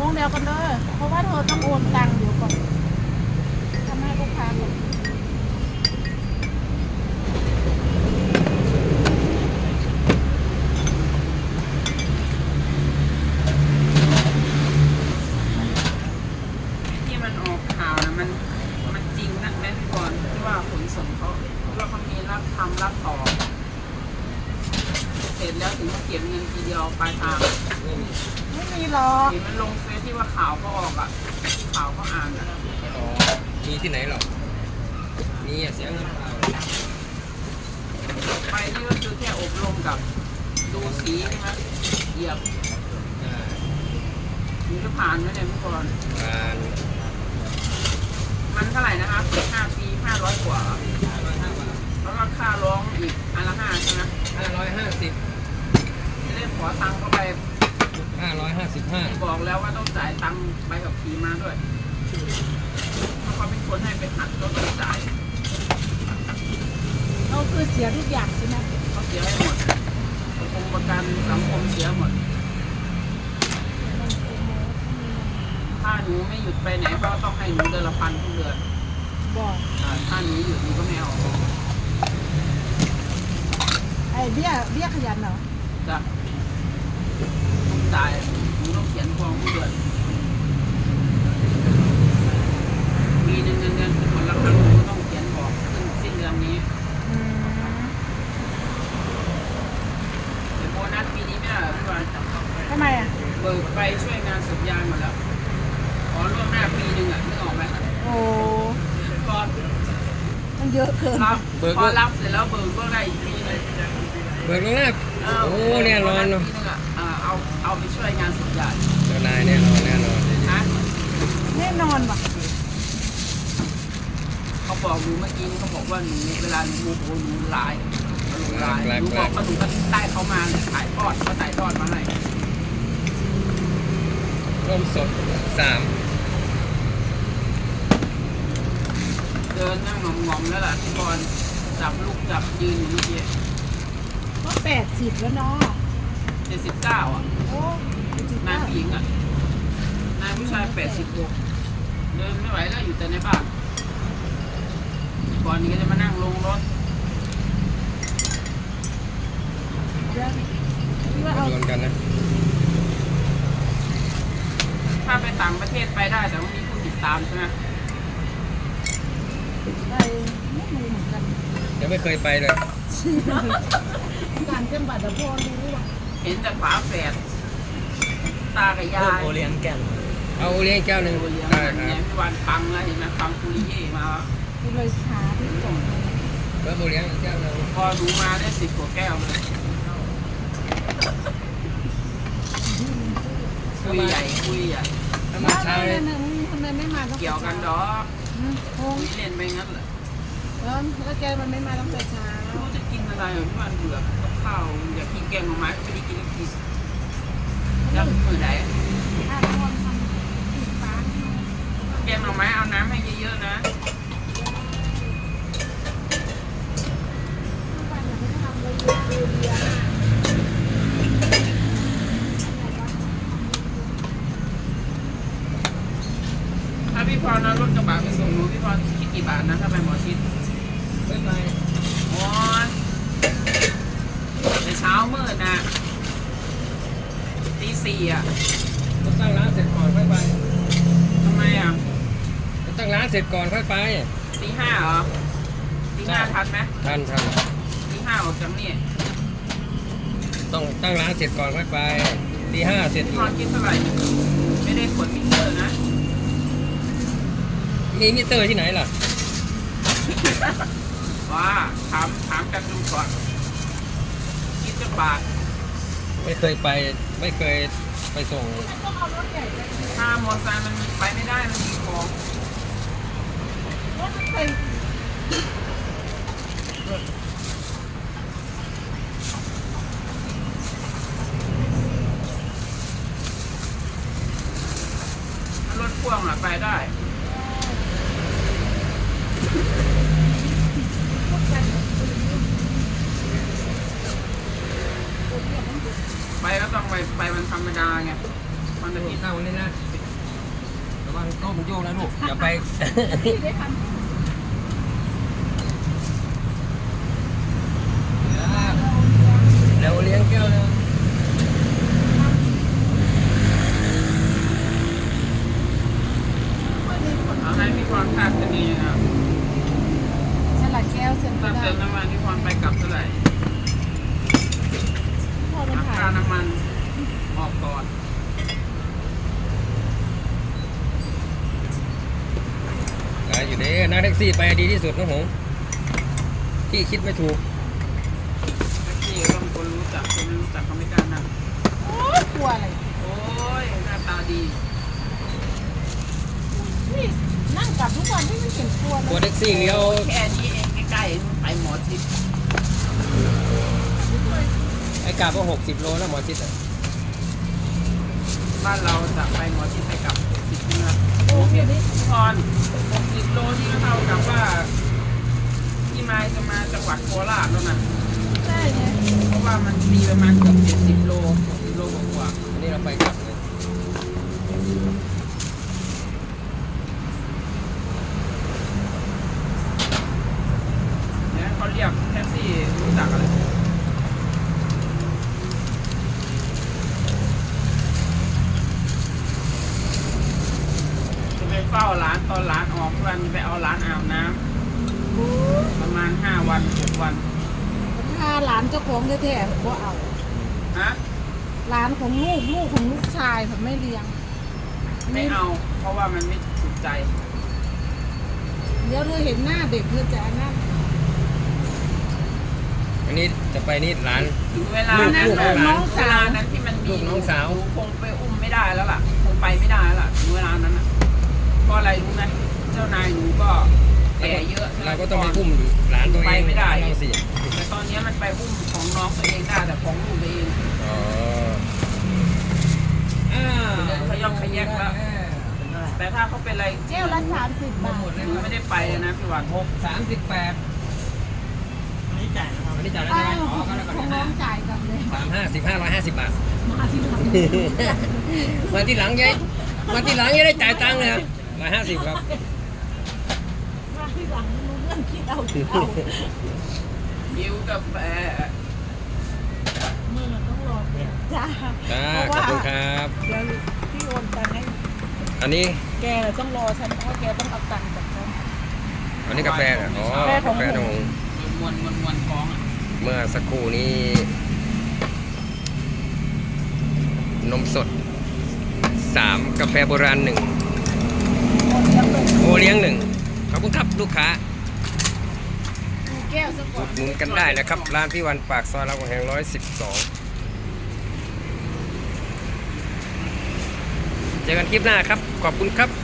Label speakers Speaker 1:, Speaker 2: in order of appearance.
Speaker 1: เดียวกันเลยเพราะว่าเธอต้องโอนตังค์เดี๋ยวก่อนทำให้ลูกค้าก่อน
Speaker 2: ที่มันออกข่าวนะมันจริงนะแม่พี่บอลที่ว่าขนส่งเขาว่าเขามีรับทำรับต่อเสร็จแล้วถึงมาเก็บเงินทีเดียวปลายทาง
Speaker 1: ไม่มีหรอก
Speaker 2: เห็นมันลงเฟซที่ว่าข่าวก็ออกอ่ะข่าวก็อ่านอ่ะ
Speaker 3: อ๋อมีที่ไหนหรอมีเสียเงินเปล่า
Speaker 2: ไปนี่ก็คือแค่อบรมกับดูสีใช่ไหมเหยียบถึงจะผ่านไหมเนี่ยพี่บอล
Speaker 3: การ
Speaker 2: มันเท่าไหร่นะครับ5 ปี500 กว่าแล้วก็ค่าร้องอีกอันละ5ใช่ไหม
Speaker 3: 550
Speaker 2: จะได้ขอตังค์เข้าไป
Speaker 3: 555
Speaker 2: บอกแล้วว่าต้องจ่ายตังค์ไปกับขี่มาด้วยเพราะเขาเป็นคนให้ไปหัดก็ต้องจ่าย
Speaker 1: เราคือเสียทุกอย่างใช่ไหม
Speaker 2: เขาเสียให้หมดประกันสังคมเสียหมดถ้าหนูไม่หยุดไปไหนก็ต้องให้หนูเดือนละ1,000ทุกเดือน
Speaker 1: บอก
Speaker 2: ถ้าหนูหยุดหนูก็ไม่เอา
Speaker 1: ไอ้เบี้ยขยันเหรอ
Speaker 2: จะต้องจ่ายหนูต้องเขียนฟองทุกเดือนปีหนึ่งเงินเป็นคนละครั้งหนูก็ต้องเขียนบอกสิ้นเดือนนี้
Speaker 1: อืม
Speaker 2: แต่โบนัสปีนี้ไม่ได้เหรอพี่บอล
Speaker 1: ทำไมอ่ะ
Speaker 2: เบิกไปช่วยงานสุดยางหมดแล้วขอล่วงหน้าปีหนึ่งอ่ะนึกออกไหม
Speaker 1: โอ้
Speaker 2: พอ
Speaker 1: มันเยอะเกิน
Speaker 2: รับพอรับเสร็จแล้วเบิกก็ได้อีกปีหนึง
Speaker 3: เบิกลงหน้าโอ้แน่นอนเนาะ
Speaker 2: ปีหนึงอ่ะเอาไปช่วยงานสุดยาง
Speaker 3: เจ้านายแน่นอน
Speaker 2: นะ
Speaker 1: แน่นอนว่ะ
Speaker 2: เขาบอกหนูเมื่อกี้เขาบอกว่าหนูเวลาหนูโมโหหนูร้ายหนูร้ายหนูบอกว่าหนูก็ได้เขามาเนี่ยถ่ายทอดเขาถ่ายทอดมาให้
Speaker 3: ร่มสด3
Speaker 2: เดินนั่งงอมๆแล้วล่ะพี่บอลจับลูกจับยืนอยู่เมื่อกี้
Speaker 1: ก็80แล้วเนาะ
Speaker 2: 79อ่ะ
Speaker 1: โอ้
Speaker 2: นายผู้หญิงอ่ะนายผู้ชาย86เดินไม่ไหวแล้วอยู่แต่ในบ้านก่อนนี้ก็จะมานั่งลงรถ
Speaker 1: พี่ว่าเอา
Speaker 3: โดนกันนะ
Speaker 2: ถ้าไปต่างประเทศไปได้แต่ว่ามีผู้ติดตามใช่ไหม
Speaker 1: ไปไม่รู้เหมือนกัน
Speaker 3: ยังไม่เคยไปเลย
Speaker 1: การเต็มบัตรแต่พอรู้ว่ะ
Speaker 2: เห็นแต่ฝาแฝดตากับยาย
Speaker 4: โอเลี้ยงแก่น
Speaker 3: เอาเลี้ยงแก้วหนึ่ง
Speaker 2: โอเลี้ยง
Speaker 3: ได้ค
Speaker 2: เนี่
Speaker 3: รั
Speaker 2: ย
Speaker 3: บ
Speaker 2: พี่วันปังแล้วเห็นไหมปังปุริเย่มา
Speaker 1: กูเลยช้าที่ส่ง
Speaker 3: เบิกโอเลี้ยงแก้วหนึ่ง
Speaker 2: พอดูมาได้10 กว่าแก้วเลยคุยใหญ่คุยใหญ่
Speaker 3: ถ้ามาเช้า
Speaker 1: เล
Speaker 3: เลย ย
Speaker 1: ทำไมไม่มาต้อง
Speaker 2: เกี่ยวกันดอก
Speaker 1: งง
Speaker 2: คุยเล่นไปงั้นแหละ
Speaker 1: แล้วแกมันไม่มาตั้งแต่เช้า
Speaker 2: ไม่รู้จะกินอะไรเหรอพี่วันเบื่อกับข้าวอยากกินแกงหน่อไม้ก็ไม่ได้กินกินแล้วมือไหน
Speaker 1: ถ้าทุกคนทำติดฟ้า
Speaker 2: แกงหน่อไม้เอาน้ำให้เยอะๆนะ
Speaker 1: ทุกวันอย่าไม่ทำเลยเรียน
Speaker 2: ถ้าพี่พรนะรถกระบะไปส่งหนูพี่พรคิดกี่บาทนะถ้าไปหมอชิด
Speaker 3: ไม่ไป
Speaker 2: โอ้ยแต่เช้ามืดนะตี 4อ่ะ
Speaker 3: ต้องตั้งร้านเสร็จก่อนค่อยไป
Speaker 2: ทำไมอ่ะ
Speaker 3: ต้องตั้งร้านเสร็จก่อนค่อยไป
Speaker 2: ตี 5เหรอตีห้าทันไหม
Speaker 3: ทัน
Speaker 2: ตี 5ออกจากนี่
Speaker 3: ต้องตั้งร้านเสร็จก่อนค่อยไปตี5เสร็จ
Speaker 2: พี่พรคิดเท่าไหร่ไม่ได้ขนมิเตอร์นะ
Speaker 3: มีมิเตอร์ที่ไหนล่ะ
Speaker 2: ว่าถามกันดูก่อนคิดจะบาท
Speaker 3: ไม่เคยไปไม่เคยไปส่ง
Speaker 1: ต้องเอารถใหญ่ไป
Speaker 2: ถ้ามอเตอร์ไซค์มันไปไม่ได้มันมีของ
Speaker 1: รถมันเป็น
Speaker 2: ถ้ารถพ่วงอ่ะไปได้ ไปก็ต้องไปวันธรรมดาไงวันอาทิตย์
Speaker 3: เข้านี่นะ
Speaker 2: ไป
Speaker 3: ระวังโต๊ะมันโยกนะลูกอย่าไป
Speaker 1: พี่ได้ทำ
Speaker 3: เดี๋ยวเลี้ยงแก้วนึง
Speaker 2: เอาให้พี่พรค่าจะดีนะ
Speaker 1: สลัดแก้วเสร็จก็
Speaker 2: ตั้ง
Speaker 1: ได้
Speaker 2: เติมน้ำมันพี่พรไปกลับเท่าไหร่
Speaker 1: พอมันถ่าย
Speaker 2: ค่าน้ำมันออกก่อน
Speaker 3: อยู่เด้นั่งแท็กซี่ไปดีที่สุดนะผมที่คิดไม่ถูก
Speaker 2: แท็กซี่ก็ต้องคนรู้จักคนไม่รู้จักเขาไม่กล้านั่ง
Speaker 1: โอ้ยกลัวอะไร
Speaker 2: โอ้ยหน้าตาดี
Speaker 1: นี่นั่งกลับทุกวันที่มันเห็นกลัวเล
Speaker 3: ตัวย แท็กซี่เลี้ยว
Speaker 2: แค่นี้เองใกล้ๆไปหมอชิด
Speaker 3: ไอ้กาบก็60 โลนะหมอชิดอ่ะ
Speaker 2: บ้านเราจะไปหมอชิดไปกลับ10กิโล
Speaker 1: โอ้ยเดี๋ยวนี้
Speaker 2: พี่พร60 โลนี่ก็เท่ากับว่าพี่ไม้จะมาจังหวัดโคราชแล้วนะ
Speaker 1: ใช่ไง
Speaker 2: เพราะว่ามันมีประมาณเกือบ70 โล60 โลกว่า
Speaker 3: อันนี้เราไปกลับเลย
Speaker 2: เนี่ยเขาเรียกแท็กซี่รู้จักอะไรจะไปเฝ้าร้านตอนร้านออกวันไปเอาร้านอาบน้ำประมาณ5 วัน 6 วัน
Speaker 1: ถ้าหลานเจ้าของแท้ๆผมก็เอา
Speaker 2: ฮะ
Speaker 1: หลานของลูกของลูกชายผมไม่เลี้ยง
Speaker 2: ไม่เอา เพราะว่ามันไม่ถูกใจ
Speaker 1: เดี๋ยวเธอเห็นหน้าเด็กเธอจะนั่น
Speaker 3: อันนี้จะไปนี่ร้าน
Speaker 2: ถึงเวลานั้น
Speaker 3: ลูก
Speaker 2: น่ะ
Speaker 3: น้อง
Speaker 2: เวลานั้นที่มันมี
Speaker 3: ลูกน้องสาว
Speaker 2: หนูคงไปอุ้มไม่ได้แล้วล่ะ คงไปไม่ได้แล้วล่ะถึงเวลานั้นน่ะเพราะอะไรรู้ไหมเจ้านายหนูก็แก่เยอะ
Speaker 3: เราก็ต้องไปอุ้มหลานตัวเอง
Speaker 2: ไปไม่ได้
Speaker 3: เราสิ
Speaker 2: แต่ตอนนี้มันไปอุ้มของน้องตัวเองได้แต่ของลูกตัวเอง
Speaker 3: อ๋อ
Speaker 2: เดินขย่องขยักแล้ว แต่ถ้าเขาเป็นอะไร
Speaker 1: แก้วละ30 บาท
Speaker 2: หนูไม่ได้ไปเลยนะพี่หวาน
Speaker 3: 38อันนี้จ่ายแล้วใช่ไหมอ๋อก็แล้ว
Speaker 1: ข
Speaker 3: กั
Speaker 1: อง
Speaker 3: น
Speaker 1: น้องจ่ายกันเลย
Speaker 3: 150 บาท
Speaker 1: มาที่หลัง
Speaker 3: มาที่หลังยัยมาที่หลังยัยได้จ่ายตังค์เลยครับ150 ครับ
Speaker 1: มาที่หลังรู้เรื่องคิดเอา
Speaker 2: ยิวกาแฟ
Speaker 1: มือต้องรอจ้า
Speaker 3: จ้า
Speaker 1: เพ
Speaker 3: ขอบ
Speaker 1: ราะ
Speaker 3: คุณ
Speaker 1: ว่า
Speaker 3: ครับ
Speaker 1: เดี๋ยวพี่โอนตังค์ให้
Speaker 3: อันนี้
Speaker 1: แกต้องรอฉันเพราะแกต้องเอาตังค์จากฉัน
Speaker 3: อันนี้กาแฟเหรออ๋อก
Speaker 1: าแฟของ
Speaker 3: กาแฟของ
Speaker 2: มวนท้องอ่ะ
Speaker 3: เมื่อสักครู่นี้ นมสด 3 กาแฟโบราณ 1 โอเลี้ยง 1 ขอบคุณครับลูกค้า
Speaker 1: ดูแก้วซะก่
Speaker 3: อุ
Speaker 1: อน
Speaker 3: ดหนุนกันได้นะครับ ร้านพี่วันปากซอยรามคำแหง112 เจอกันคลิปหน้าครับ ขอบคุณครับ